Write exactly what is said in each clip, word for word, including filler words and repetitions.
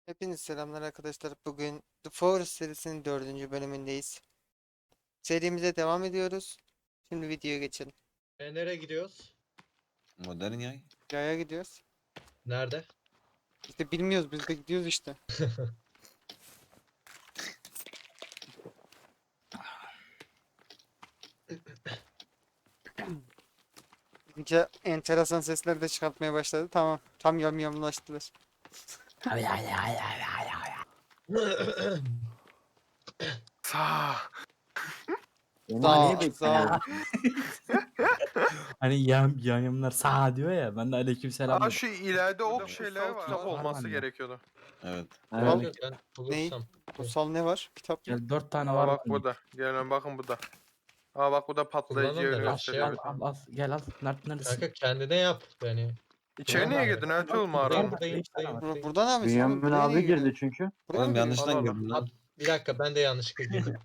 Hepinize selamlar arkadaşlar. Bugün The Forest serisinin dördüncü bölümündeyiz. Serimize devam ediyoruz. Şimdi videoya geçelim. E, nereye gidiyoruz? Modern yay. Yaya gidiyoruz. Nerede? İşte bilmiyoruz, biz de gidiyoruz işte. İyice enteresan sesler de çıkartmaya başladı. Tamam. Tam yamyamlaştılar. Sağ. Sağ, Onu niye sağ ol. bekliyorsun? Hani yam yamyamlar sağ diyor ya. Ben de aleykümselam Aa dedim. şu ileride ok Burada şeyleri kutsal var. kitap var Olması bende. gerekiyordu. Evet. Evet. Yok, ben Neyi? bulursam. Kutsal ne var? Kitap mı? Gel dört tane Aa var. bak bende. burada. Gelin bakın burada. Aa bak bu da patlayıcı Kullanın da yeri ben gösteriyor. şey Al al al gel al. Nerede neredesin? Kanka kendine yap yani. İçeri niye girdin Ertuğrul mağaranın? Buradayım, buradayım, Bur buradayım. buradan abi sen Bünyamin buraya niye abi girdin? girdi çünkü. Buraya mı Oğlum girdin? yanlıştan Allah Allah. girdim lan. Bir dakika ben de yanlışlıkla girdim.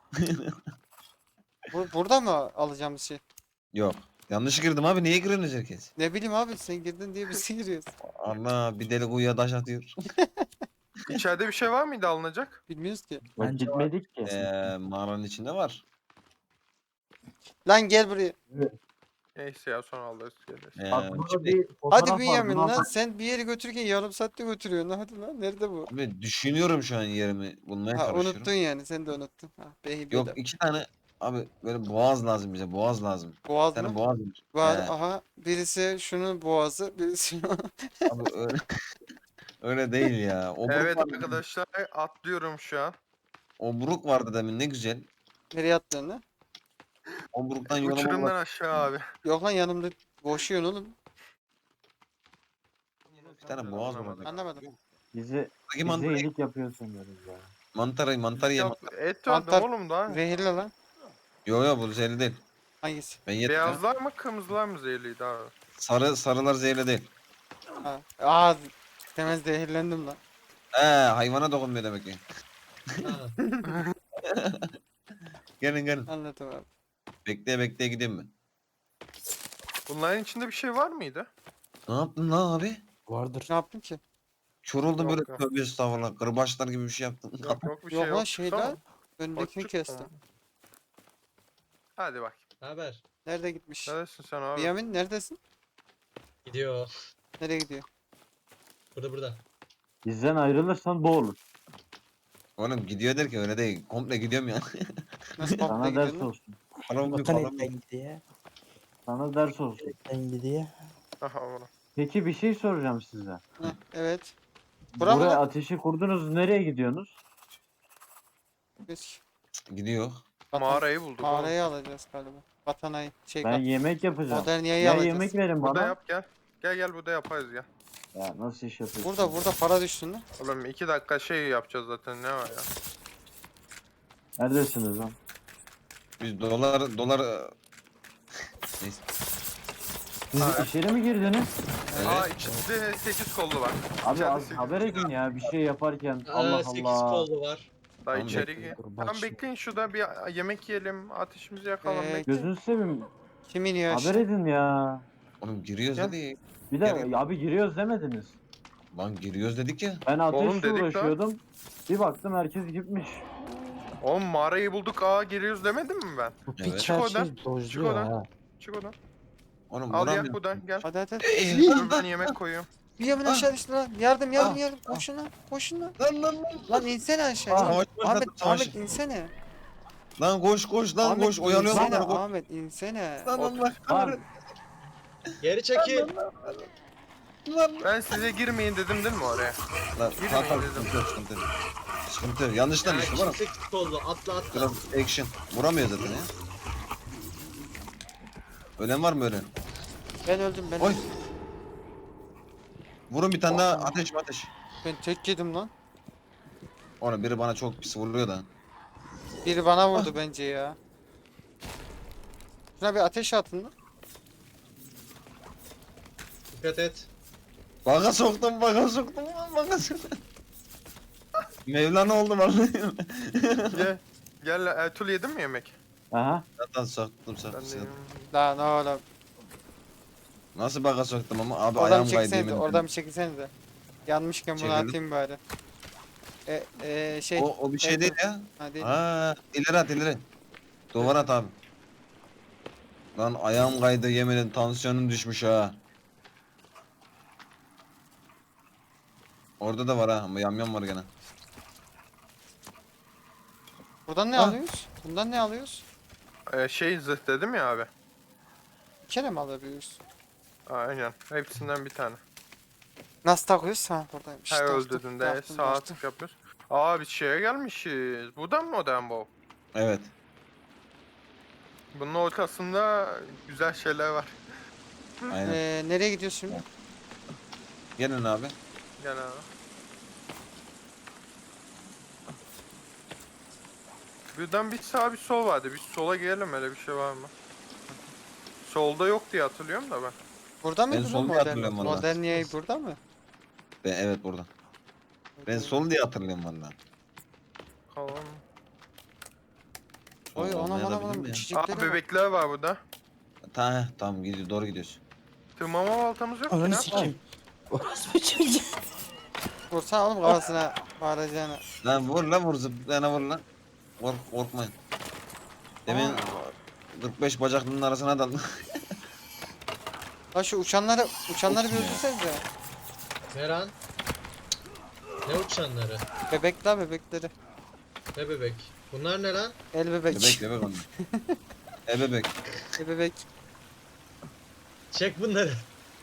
Bur- burada mı alacağım bir şey? Yok. Yanlış girdim abi. Niye giriyorsunuz herkes? Ne bileyim abi, sen girdin diye biz giriyoruz. Allah bir deli kuyuya taş atıyor. İçeride bir şey var mıydı alınacak? Bilmiyoruz ki. Bak Bence gitmedik ki. Eee mağaranın içinde var. Lan gel buraya. Neyse ya sonra alırız geliriz. Eee Bak burada şimdi, bir Hadi fotoğraf var, Bünyamin bunu lan, al. sen bir yeri götürürken yarım saatte götürüyorsun. Hadi lan, nerede bu? abi düşünüyorum şu an yerimi bulmaya Ha, çalışıyorum. unuttun yani, sen de unuttun. Ha, behi Yok iki tane abi böyle boğaz lazım bize. Boğaz lazım. Boğaz Bir tane mı? boğaz var. Var, He, aha, birisi şunun boğazı, birisi abi öyle, öyle değil ya. Obruk Evet vardı. arkadaşlar atlıyorum şu an. Obruk vardı demin ne güzel. nereye attın lan? Obruktan yoluma Uçurumdan bak. aşağı abi. Yok lan, yanımda boşuyorsun oğlum. Bir tane boğaz var orada. Anlamadım. Bizi, Buradaki bize mantarı, iyilik yapıyorsun diyoruz ya. mantarı, mantarı ye. Yap, et Mantar- öldüm oğlum daha. Zehirli lan. Yo yo bu zehirli değil. Hangisi? Ben yedim. ya. Beyazlar mı kırmızılar mı zehirliydi abi? Sarı sarılar zehirli değil. Ha. Aa, hemen zehirlendim lan. Ee hayvana dokunmuyor demek ki. Ha, Gelin gelin. Anladım abi. Bekleye bekleye gideyim mi? Bunların içinde bir şey var mıydı? Ne yaptın lan abi? Vardır. Ne yaptım ki? Kör oldum Yok, böyle yok. tövbe estağfurullah. Kırbaçlar gibi bir şey yaptın. Yok yok bir Yok şey lan, yok. şey Tamam. lan. Önündekini Açık kestim. tamam. Hadi bak. ne haber? Nerede gitmiş? Neredesin sen abi? Bünyamin neredesin? Gidiyor. Nereye gidiyor? Burada burada. Bizden ayrılırsan boğulur. Oğlum gidiyor der ki öyle değil. Komple gidiyorum ya. Nasıl komple Sana ders gidiyorsun lan? olsun. Param yok Vatan param yok. etten gidiyor. Sana ders olsun. Etten gidiyor. Aha oğlum. Peki bir şey soracağım size. Heh, evet. Bura mı Buraya lan? ateşi kurdunuz. Nereye gidiyorsunuz? Biz Gidiyor. vatan- Mağarayı bulduk oğlum. mağarayı alacağız galiba. Vatanayı. Şey, Ben vat- yemek yapacağım. Moderniyayı Ya alacağız. yemek verin Burada bana. yap gel. Gel gel burada yaparız gel. Ya nasıl iş yapıyorsun? Burada burada para düşsün lan. Oğlum iki dakika şey yapacağız zaten ne var ya. Neredesiniz lan? Biz dolar dolar e, neyse. Siz Ha. içeri mi girdiniz? Aa Evet. içinde sekiz kollu var. Abi İçeride az sekiz haber edin ya bir şey yaparken. Aa, Allah sekiz Allah. kollu var. Daha Tamam, içeri bekle. gir. Dur, bak Tamam şimdi. bekleyin şurada bir yemek yiyelim. Ateşimizi yakalım. Ee, bekleyin. Gözünü seveyim. Kim iniyor Haber aşağı? edin ya. Oğlum giriyoruz Gel. dedi. Bir de Gel. abi giriyoruz demediniz. Lan giriyoruz dedik ya. Ben Oğlum ateşle dedik lan. uğraşıyordum. Bir baktım herkes gitmiş. Oğlum mağarayı bulduk. Aa geliyoruz demedim mi ben? Bu Evet. piç Çık her oradan, şey çık dojluyor oradan. ha. Çık oradan. Oğlum Al yak vuramıyorum. buradan gel. Hadi hadi hadi. Dur ben yemek koyuyorum. Bünyamin Ah. aşağı düştü lan. Yardım yardım Ah. yardım. Koşun lan. Koşun lan. Lan lan lan. Lan insene aşağı. Ah. Savaş başladı, Ahmet, savaş. Ahmet insene. Lan koş koş lan Ahmet koş oyalıyorum insene, onları koş. Ahmet insene. Lan lan lan. Lan Geri çekil. Lan. Ben size girmeyin dedim değil mi oraya? Lan Girmeyin tamam tamam dedim. sıkıntı yok sıkıntı yok. Sıkıntı yok. Yanlıştan Ya, düştüm oğlum. sekiz kollu atla atla. Biraz action. Vuramıyor zaten ya. Ölen var mı ölen? Ben öldüm ben Oy. öldüm. Vurun bir tane daha ateş ateş. Ben tek yedim lan. Oğlum biri bana çok pis vuruyor da. Biri bana vurdu bence ya. Şuna bir ateş atın lan. Dikkat et. Baka soktum baka soktum lan baka soktum. Mevlana oldu vallahi. Gel. Gel Ertuğrul yedin mi yemek? aha. Zaten soktum Ben soktum. de soktum. Daha ne oğlum. Nasıl baka soktum ama abi Oradan ayağım bir kaydı çeksene de, yemin oradan bir çekilsene de. Yanmışken bunu Çekelim. atayım bari. E, e, şey. O, o bir şey evet, değil evet. ya. Ha, değil. Ha, ileri at ileri. Duvara at abi. Lan ayağım kaydı yemin ederim tansiyonum düşmüş ha. Orada da var ha ama yamyam var gene. Buradan ne Ah. alıyoruz? Bundan ne alıyoruz? Ee, şey zırh dedim ya abi. Bir kere mi alabiliyoruz? Aynen. Hepsinden bir tane. Nasıl takıyoruz? Ha buradaymış. Her Taktım, öldürdüğünde taktım, sağ taktım. tık yapıyoruz. Aa biz şeye gelmişiz. Buradan mı modern bu? Evet. Bunun ortasında güzel şeyler var. Aynen. Ee, nereye gidiyoruz şimdi? Gelin abi. Gel abi. Birden bir sağ bir sol vardı. Biz sola gelelim, öyle bir şey var mı? Solda yok diye hatırlıyorum da ben. Burada mıydı lan sol diye modern? hatırlıyorum valla. Moderniye burada mı? Ben, evet burada. Ben sol diye hatırlıyorum valla. Kalan. Oy Sol anam olmaya da anam bilir anam mi ya? içeceklere Aa bak. bebekler var burada. Ta, tamam gidiyor doğru gidiyorsun. Tırmama baltamız yok ki Ananı ne sikeyim. Orospu çocuğu. Vursana oğlum kafasına bağıracağına. Lan vur lan vur zıplayana vur lan. Kork, korkmayın. Demin kırk beş bacaklının arasına daldım. Lan şu uçanları uçanları bir Olsun ya. öldürsenize. Meran. Ne uçanları? Bebek la bebekleri. Ne bebek? Bunlar ne lan? El bebek. Bebek bebek onlar. E bebek. El bebek. Çek bunları.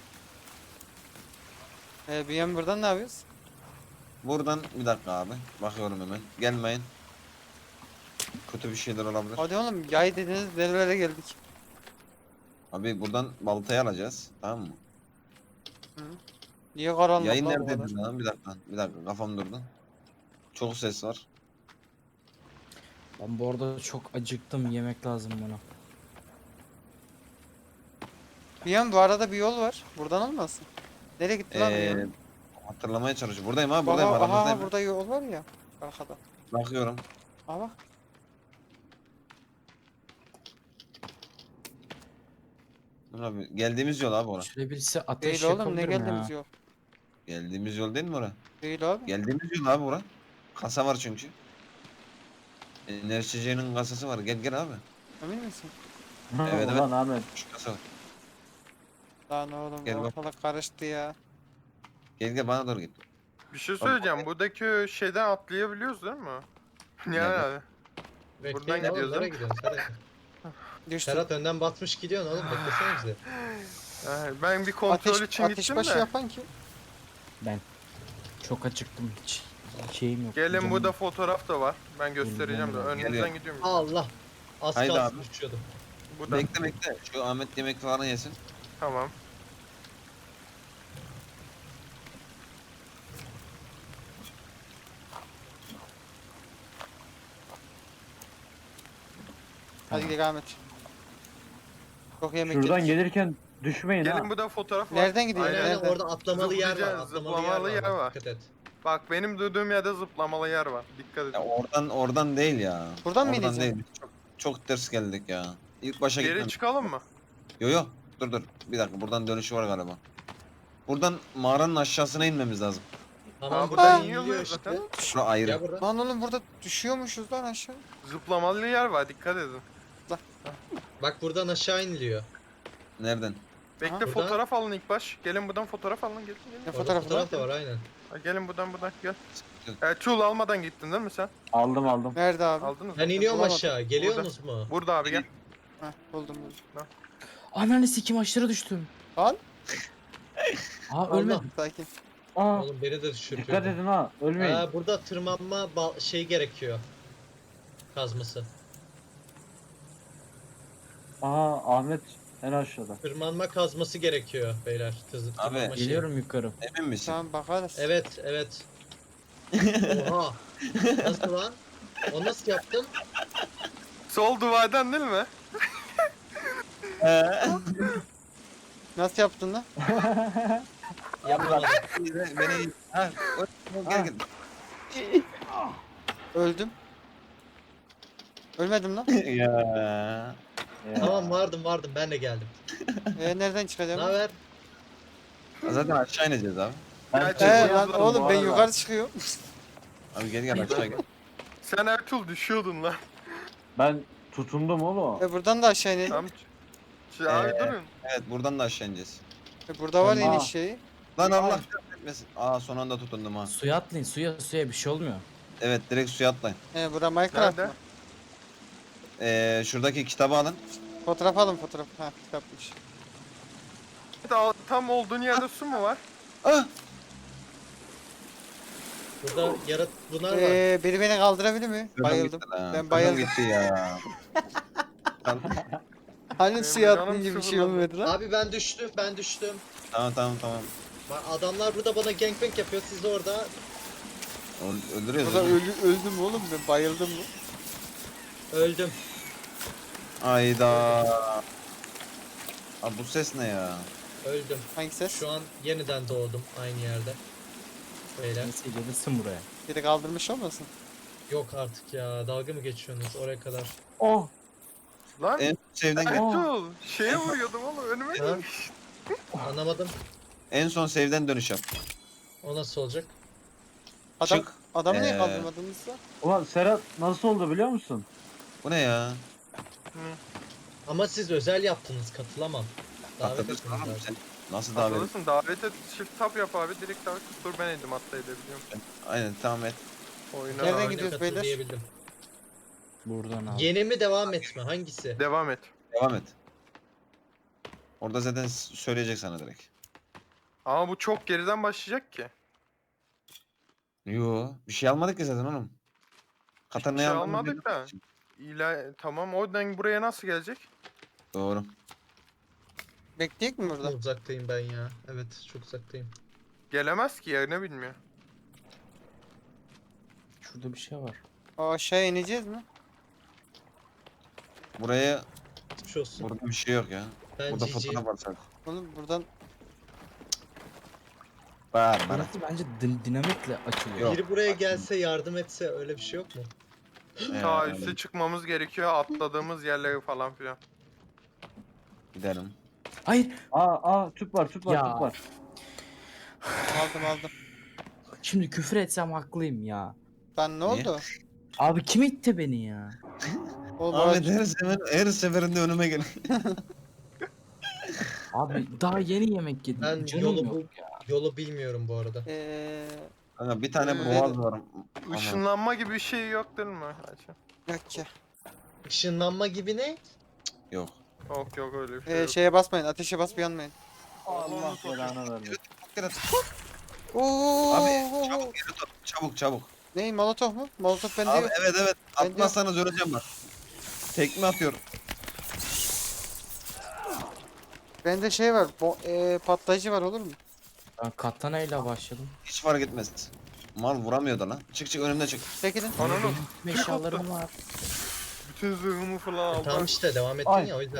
Ee, bir yan buradan ne yapıyoruz? Buradan bir dakika abi. Bakıyorum hemen. Gelmeyin. Kötü bir şeyler olabilir. Hadi oğlum yay dediniz nerelere geldik. Abi buradan baltayı alacağız. Tamam mı? Niye karanlık Yayın lan bu neredeydi kadar? lan? Bir dakika. Bir dakika kafam durdu. Çok ses var. Ben bu arada çok acıktım. Yemek lazım bana. Bir yan bu arada bir yol var. Buradan olmasın. Nereye gitti lan bu Ee, yan? hatırlamaya çalışıyorum. Buradayım abi buradayım Baba, aha aramızdayım. burada yol var ya. Arkada. Bakıyorum. Aa bak. Dur abi. Geldiğimiz yol abi orası. Şöyle birisi ateş Değil oğlum ne yapabilir mi geldiğimiz ya? yol. Geldiğimiz yol değil mi orası? Değil abi. Geldiğimiz yol abi bura. Kasa var çünkü. Enerji içeceğinin kasası var. Gel gel abi. Emin misin? Evet, Ulan Ahmet. Şu kasa var. Lan oğlum Gel bak. ortalık karıştı ya. Gel gel bana doğru git. Bir şey söyleyeceğim. Buradaki şeyden atlayabiliyoruz değil mi? Yani Nerede? abi. Bekleyin oğlum, gidiyoruz, nereye değil mi? gidiyorsun Serhat? Düştü. Serhat önden batmış gidiyorsun oğlum, beklesene bizi. Ee, ben bir kontrol Ateş, için ateş gittim başı de. yapan kim? Ben çok acıktım. Hiç şeyim yok. Gelin canım burada yok. fotoğraf da var. Ben göstereceğim de. Geliyorum. Önünüzden Geliyorum. gidiyorum. Allah. Az Haydi kalsın abi. uçuyordum. Buradan. Bekle bekle. Şu Ahmet yemek falan yesin. Tamam. Hadi gidelim Ahmet. Çok yemek Şuradan yedik. gelirken düşmeyin ha. Gelin burada fotoğraf var. Nereden gidiyor? Aynen, Aynen. Nereden? orada atlamalı yer var. Zıplayacağız, Atlamalı, zıplamalı yer var. yer bak, var. Dikkat et. Bak benim durduğum yerde zıplamalı yer var. Dikkat Ya edin. oradan oradan değil ya. Buradan mı Oradan ineceğim? değil. Çok, çok ters geldik ya. İlk başa Geri gitmem. çıkalım mı? Yo yo. Dur dur. Bir dakika buradan dönüşü var galiba. Buradan mağaranın aşağısına inmemiz lazım. Tamam, Aa, buradan buradan iniyor iniyoruz işte. zaten. Şura ayrı. Ya buradan. Lan oğlum burada düşüyormuşuz lan aşağı. Zıplamalı yer var. Dikkat edin. Bak buradan aşağı iniliyor. Nereden? Bekle Ha. Buradan- fotoğraf alın ilk baş. Gelin buradan fotoğraf alın. Gelin gelin. Ne Orada fotoğrafı fotoğraf da lan? var aynen. Ha, gelin buradan buradan gel. E, çul almadan gittin değil mi sen? Aldım aldım. Nerede abi? Aldınız mı? Ben iniyorum bulamadım. aşağı. Geliyorsunuz mu? Burada abi gel. Heh buldum buldum. Ananı sikeyim aşağı düştüm. Lan Aa Allah. ölmedim. sakin. Aa, Oğlum beni de düşürtüyor. dikkat edin ha. Ölmeyin. Aa, burada tırmanma bal- şey gerekiyor. Kazması. Aha Ahmet en aşağıda. Tırmanma kazması gerekiyor beyler. Tızı, Abi, tırmanma şeyi. Geliyorum yukarı. Emin misin? Tamam bakarız. Evet evet. Oha. Nasıl lan? O nasıl yaptın? Sol duvardan değil mi? Nasıl yaptın lan? Yapamadım. Beni, beni... Ha, o- o- gel gel. Öldüm. Ölmedim lan. ya. Ya. Tamam vardım vardım, ben de geldim. Ee, nereden Ne çıkacağım? haber? Zaten aşağı ineceğiz abi. Ben He, şey He Çekil lan yaptım oğlum bu ben arada. yukarı çıkıyorum. Abi gel gel aşağı gel. Sen Ertuğrul düşüyordun lan. Ben tutundum oğlum. E buradan da aşağı inelim. Tam Ş- abi Ee, durun. Evet buradan da aşağı ineceğiz. E burada var Aa. iniş şeyi. Lan Allah etmesin. Aa son anda tutundum ha. Suya atlayın suya suya bir şey olmuyor. Evet direkt suya atlayın. E bura Minecraft Nerede? mı? Ee, şuradaki kitabı alın. Fotoğraf alın fotoğraf. Ha kitapmış. Daha tam olduğun yerde su mu var? Ah! Burada yarat bunlar var. Ee, biri beni kaldırabilir mi? Kırdım Bayıldım. gitti lan, Ben kırdım bayıldım. gitti ya. Lan, Hani Benim suya canım atlayınca bir şey sıfırlandı. olmuyordu lan. Abi ben düştüm, ben düştüm. tamam tamam tamam. Bak adamlar burada bana gangbang yapıyor. Siz de orada Öl- Öldürüyoruz. Burada öldürüyoruz. ölü, öldüm oğlum ben bayıldım mı? öldüm. Ayda. Abi bu ses ne ya? Öldüm. Hangi ses? Şu an yeniden doğdum aynı yerde. Beyler. Neyse gelirsin buraya. Biri kaldırmış olmasın? Yok artık ya. Dalga mı geçiyorsunuz oraya kadar? Oh. Lan En sevden gel. Ertuğrul şeye vuruyordum oğlum önüme Ha? gelmiş. Anlamadım. En son save'den dönüş yap. O nasıl olacak? Adam, Çık. adamı niye Ee, kaldırmadınız da? Ulan Serhat nasıl oldu biliyor musun? Bu ne ya? Ama siz özel yaptınız. Katılamam. Davet Atlatırsın etmeniz oğlum lazım. sen. Nasıl davet? Atladısın davet et shift tab yap abi direkt davet et. Dur ben edim hatta edebiliyorum. Aynen tamam et. Oyuna Nereden abi. gidiyoruz Katıl beyler? diyebildim. Buradan abi. Yeni mi devam etme? Hangisi? Devam et. Devam et. Orada zaten s- söyleyecek sana direkt. Ama bu çok geriden başlayacak ki. Yo, bir şey almadık ki zaten oğlum. Katana'yı şey almadık almadık da. İla tamam oradan buraya nasıl gelecek? Doğru. Bekleyecek mi Çok burada? uzaktayım ben ya. Evet çok uzaktayım. Gelemez ki yerini bilmiyor. Şurada bir şey var. O aşağıya ineceğiz mi? Buraya, Geçmiş olsun. burada bir şey yok ya. Ben Burada G G. fotoğraf var sadece. Oğlum buradan Var bana. Burası bence din- dinamitle açılıyor. Yok. Biri buraya gelse yardım etse öyle bir şey yok mu? Ta Ee, üste çıkmamız gerekiyor atladığımız yerleri falan filan. Gidelim. Hayır. Aa aa tüp var tüp var Ya. tüp var. aldım aldım. Şimdi küfür etsem haklıyım ya. Ben ne oldu? Abi kim itti beni ya? Oğlum Ahmet orası- her sefer, her seferinde önüme gel. Abi daha yeni yemek yedim. Ben Canım yolu yok bu- ya. Yolu bilmiyorum bu arada. Eee Kanka bir tane Ee, boğaz var. Ama Işınlanma gibi bir şey yok değil mi? Hacı? yok ki. Işınlanma gibi ne? yok. Yok yok öyle bir şey Ee, yok. şeye basmayın, ateşe basıp yanmayın. Allah belanı vermesin. Gel, Oo, Abi oo, oo. çabuk geri tut. Çabuk çabuk. Ney molotof mu? Molotof bende Abi yok. evet evet. Ben de- Atmazsanız öleceğim bak. Tekme atıyorum. Bende şey var. Bo eee, patlayıcı var olur mu? Ben katana ile başladım. Hiç fark etmez. Mal vuramıyor da lan. Çık çık önümde çık. Çekilin. Ananı Benim eşyalarım var. bütün zırhımı falan E, aldım. tamam işte devam ettin Ay. ya o yüzden.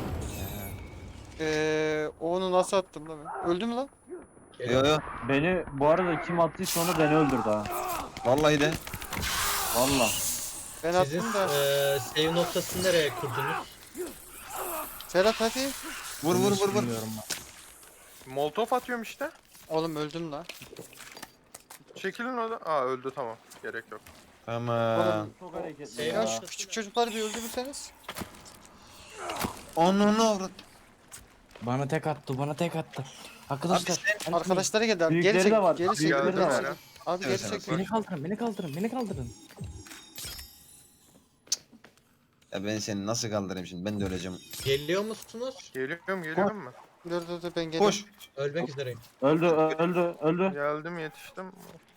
Eee onu nasıl attım lan ben? Öldü mü lan? Yo yo. Beni bu arada kim attıysa onu beni öldürdü ha. Vallahi de. Valla. Ben Sizin attım da. eee save noktasını nereye kurdunuz? Serhat hadi. Vur vur vur vur. Bilmiyorum ben. Molotov atıyorum işte. Oğlum öldüm lan. Çekilin orada. Aa öldü tamam. Gerek yok. Tamam. Oğlum. Çok hareketli Şey Ya ya. şu küçük çocukları bir öldürürseniz. Onu ne avrat? Bana tek attı, bana tek attı. Arkadaşlar, ben- Arkadaşları geldi abi. Geri Büyükleri çek. de var. Geri çek. Büyükleri Geri de Geldim var. çek. hele. Abi Evet, geri evet. çek. beni kaldırın, beni kaldırın, beni kaldırın. Ya ben seni nasıl kaldırayım şimdi? Ben de öleceğim. Geliyor musunuz? Geliyorum geliyorum mu? Dur dur dur ben geliyorum. Koş. Ölmek üzereyim. Öldü öldü öldü. Geldim yetiştim.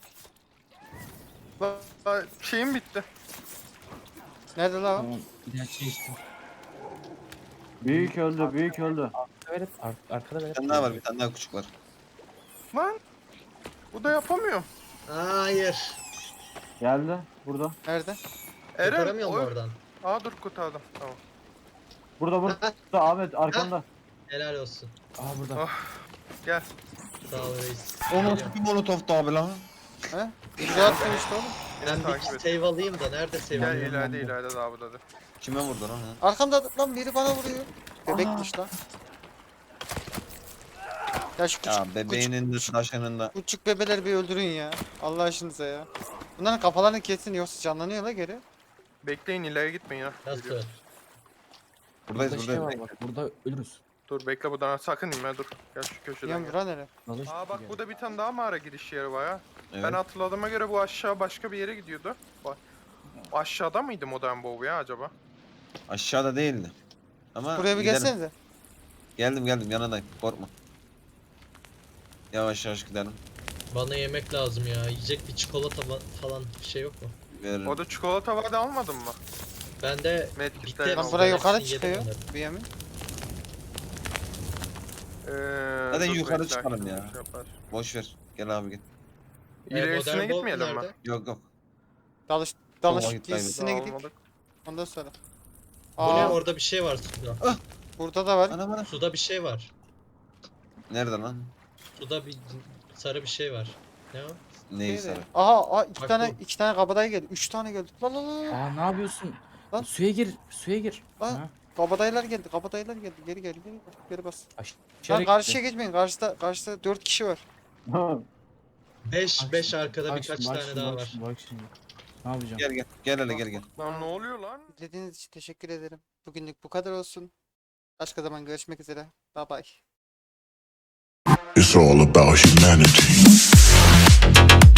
Aa, şeyim bitti. Nerede lan o? Tamam, ilaç içtim. Büyük öldü büyük öldü. Evet, ar arkada Bir evet. tane daha var. Bir tane daha küçük var. Lan. Bu da yapamıyorum. Hayır. Geldi burada. Nerede? Eren. Kurtaramıyor mu oy- oradan? Aa dur kurtardım. Tamam. Burada burada Ahmet arkanda. Helal olsun. Aa burada. Gel. Sağ ol reis. O nasıl Geliyorum. bir molotoftu abi lan? He? İmza attım işte oğlum. Beni Ben takip bir et. save alayım da nerede save Gel alayım? ileride ileride daha burada da. Kime vurdu lan? ha? Arkamda lan biri bana vuruyor. Bebekmiş lan. Ya şu küçük, Ya bebeğinin de taşının da. küçük bebeleri bir öldürün ya. Allah aşkınıza ya. Bunların kafalarını kesin yoksa canlanıyorlar geri. Bekleyin ileri gitmeyin ya. Nasıl? Geliyor. Buradayız Burada şey buradayız. var bak. Burada ölürüz. Dur bekle buradan sakın inme dur. Gel şu köşeden Yan gel. bura nere? Dalış Aa bak gibi burada bir tane daha mağara giriş yeri var ya. Evet. Ben hatırladığıma göre bu aşağı başka bir yere gidiyordu. Bak. Aşağıda mıydı Modern WoW ya acaba? Aşağıda değildi. Ama Buraya bir gidelim. gelsenize. Geldim geldim yanındayım. Korkma. Yavaş yavaş gidelim. Bana yemek lazım ya. Yiyecek bir çikolata fa- falan bir şey yok mu? Veririm. Orada çikolata vardı almadın mı? Bende Medkit'te bitti. yok. Lan hepsi, buraya ben yukarı hepsini yedim çıkıyor. onları. Bir yemin. Ee, Hadi dur yukarı bekle, çıkalım şimdi ya. şey yapar. Boş ver. Gel abi gel. Ee, İlerisine Modern WoW gitmeyelim mi? nerede? Yok yok. Dalış dalış vakit kaybettik. giysisine gidik. Almadık. Ondan sonra. Bu ne? Aa, Orada bir şey var suda. burada da var. Ana bana. Suda bir şey var. Nerede lan? Suda bir sarı bir şey var. Ne o? Neyi Neydi? sarı? Aha, aha iki Bak tane bu. iki tane kabadayı geldi. Üç tane geldi. Lan lan lan. lan. Aa ne yapıyorsun? Lan. Suya gir. Suya gir. Lan. Ha, Kabadayılar geldi. Kabadayılar geldi. Geri geri geri geri bas. aşağı Lan gitti. karşıya geçmeyin. Karşıda karşıda dört kişi var. beş Bak beş şimdi, arkada bak birkaç şimdi, bak tane şimdi, daha bak var. şimdi, Bak şimdi. Ne yapacağım? Gel gel. Gel hele gel gel. Lan ne oluyor lan? İzlediğiniz için teşekkür ederim. Bugünlük bu kadar olsun. Başka zaman görüşmek üzere. Bye bye. It's all about humanity.